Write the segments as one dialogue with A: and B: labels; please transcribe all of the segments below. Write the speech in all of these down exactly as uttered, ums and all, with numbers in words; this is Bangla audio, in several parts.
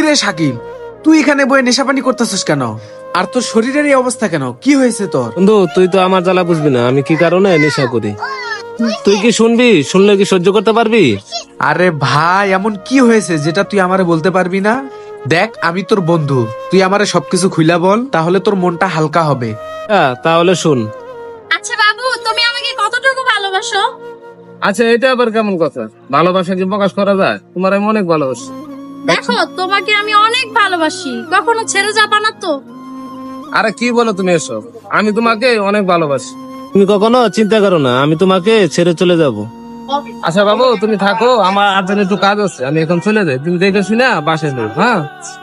A: রে শাকিল, তুই এখানে বয়ে নেশা পানি করতেছিস কেন? আর তোর শরীরের এই অবস্থা কেন? কি হয়েছে তোর?
B: বন্ধু তুই তো আমার জ্বালা বুঝবি না, আমি কি কারণে নেশা করি। তুই কি শুনবি? শুনলে কি সহ্য করতে পারবি?
A: আরে ভাই, এমন কি হয়েছে যেটা তুই আমারে বলতে পারবি না? দেখ, আমি তোর বন্ধু, তুই আমারে সবকিছু খুইলা বল, তাহলে তোর মনটা হালকা হবে।
B: হ্যাঁ তাহলে শুন।
C: আচ্ছা বাবু, তুমি আমাকে কতটুকু ভালোবাসো?
B: আচ্ছা এটা আবার কেমন কথা? ভালোবাসা কি প্রকাশ করা যায়? তোমার আমি অনেক ভালোবাসি।
C: দেখো, তোমাকে আমি অনেক ভালোবাসি, কখনো ছেড়ে যাবা না তো?
B: আরে কি বলো তুমি এসব? আমি তোমাকে অনেক ভালোবাসি, তুমি কখনো চিন্তা করো না আমি তোমাকে ছেড়ে চলে যাব। আচ্ছা বাবু তুমি থাকো, আমার আজ একটু কাজ আছে, আমি এখন চলে যাই। তুমি দেখে শুনে বাসে যাও। হ্যাঁ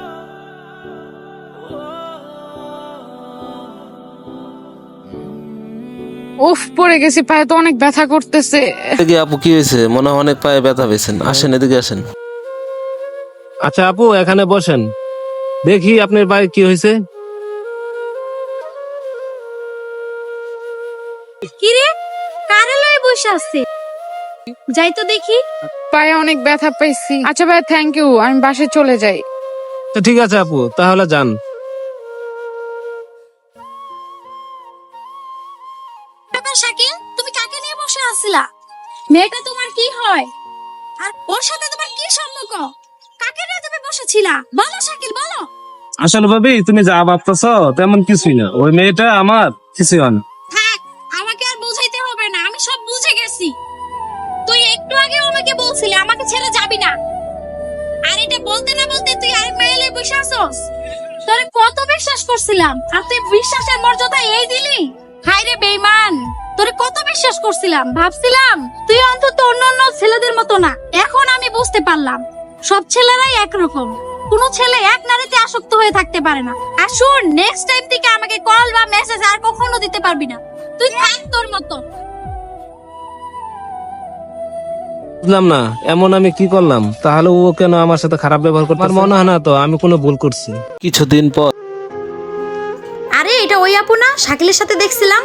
D: উফ, পড়ে গেছি, পায়ে তো অনেক ব্যথা করতেছে।
E: কি আপু কি হয়েছে? মনে হয় অনেক পায়ে ব্যথা পেয়েছেন। আসেন এদিকে আসেন।
B: আচ্ছা আপু এখানে বসেন, দেখি আপনার পায়ে কি হয়েছে।
C: কিরে, কারে লয়ে বসে আছে? যাই তো দেখি।
D: পায়ে অনেক ব্যথা পাইছি। আচ্ছা ভাই, থ্যাংক ইউ, আমি বাসে চলে যাই।
B: তো ঠিক আছে আপু, তাহলে যান।
C: ব্যাপার শাকিল, তুমি কাকে নিয়ে বসে আছিলা? মেয়েটা তোমার কি হয়? আর ওর সাথে তোমার কি সম্পর্ক? কাকে নিয়ে তুমি বসেছিলা? বলো শাকিল, বলো।
B: আসলে ভাবি তুমি যা ভাবতেছ তেমন কিছুই না, ওই মেয়েটা আমার কিছুই হয় না।
C: থাক, আমাকে আর বুঝাইতে হবে না, আমি সব বুঝে গেছি। তুই একটু আগে আমাকে বলছিলি আমাকে ছেড়ে যাবি না, আর এটা বলতে না বলতে তুই আরেক মাইলে বসে আসছস। তোরে কত বিশ্বাস করছিলাম, আর তুই বিশ্বাসের মর্যাদা এই দিলি? হায় রে বেঈমান, তোরে কত বিশ্বাস করছিলাম, ভাবছিলাম তুই অন্তত অন্য অন্য ছেলেদের মতো না। এখন আমি বুঝতে পারলাম সব ছেলেরাই একরকম, কোনো ছেলে এক নারীতে আসক্ত হয়ে থাকতে পারে না। আর শুন, নেক্সট টাইম থেকে আমাকে কল বা মেসেজ আর কখনো দিতে পারবি না। তুই থাক তোর মতো।
B: বুঝলাম না এমন আমি কি করলাম, তাহলে ও কেন আমার সাথে খারাপ ব্যবহার করতে? আমার মনে হয় না তো আমি কোনো ভুল করছি।
E: কিছুদিন পর
C: আরে এটা ওই আপু না, শাকিলের সাথে দেখছিলাম।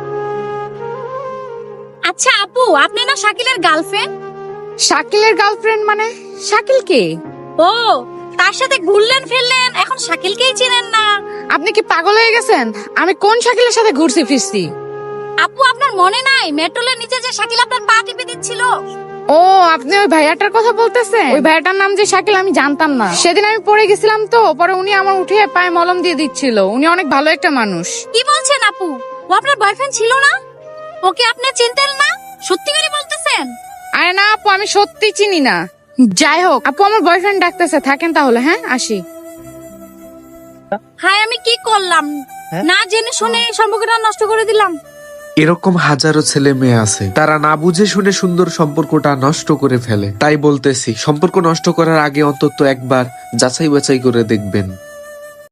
C: আচ্ছা আপু, আপনি না শাকিলের গার্লফ্রেন্ড?
D: শাকিলের গার্লফ্রেন্ড মানে? শাকিল কে?
C: ও, তার সাথে ঘুরলেন ফিরলেন, এখন শাকিলকেই চিনেন না?
D: আপনি কি পাগল হয়ে গেছেন? আমি কোন শাকিলের সাথে ঘুরছি ফিরছি?
C: আপু আপনার মনে নাই মেট্রোলের নিচে যে শাকিল আপনার পা টিপে দিচ্ছিল?
D: ও, আপনি ওই ভাইয়াটার কথা বলতেছেন? ওই ভাইয়াটার নাম যে শাকিল আমি জানতাম না। সেদিন আমি পড়ে গেছিলাম তো, পরে উনি আমার উঠিয়ে পায়ে মলম দিয়ে দিচ্ছিল। উনি অনেক ভালো একটা মানুষ।
C: কি বলছেন আপু? ও আপনার বয়ফ্রেন্ড ছিল না? ওকে আপনি চিনতেন না? সত্যি করে বলতেছেন?
D: আরে না আপু, আমি সত্যি চিনি না। যাই হোক আপু, আমার বয়ফ্রেন্ড ডাকতেছে, থাকেন তাহলে। হ্যাঁ, আসি।
C: হায়, আমি কি করলাম? না জেনে শুনে সম্পর্কটা নষ্ট করে দিলাম।
A: এরকম হাজারো ছেলে মেয়ে আছে, তারা না বুঝে শুনে সুন্দর সম্পর্কটা নষ্ট করে ফেলে। তাই বলতেছি, সম্পর্ক নষ্ট করার আগে অন্তত একবার যাচাই বাছাই করে দেখবেন।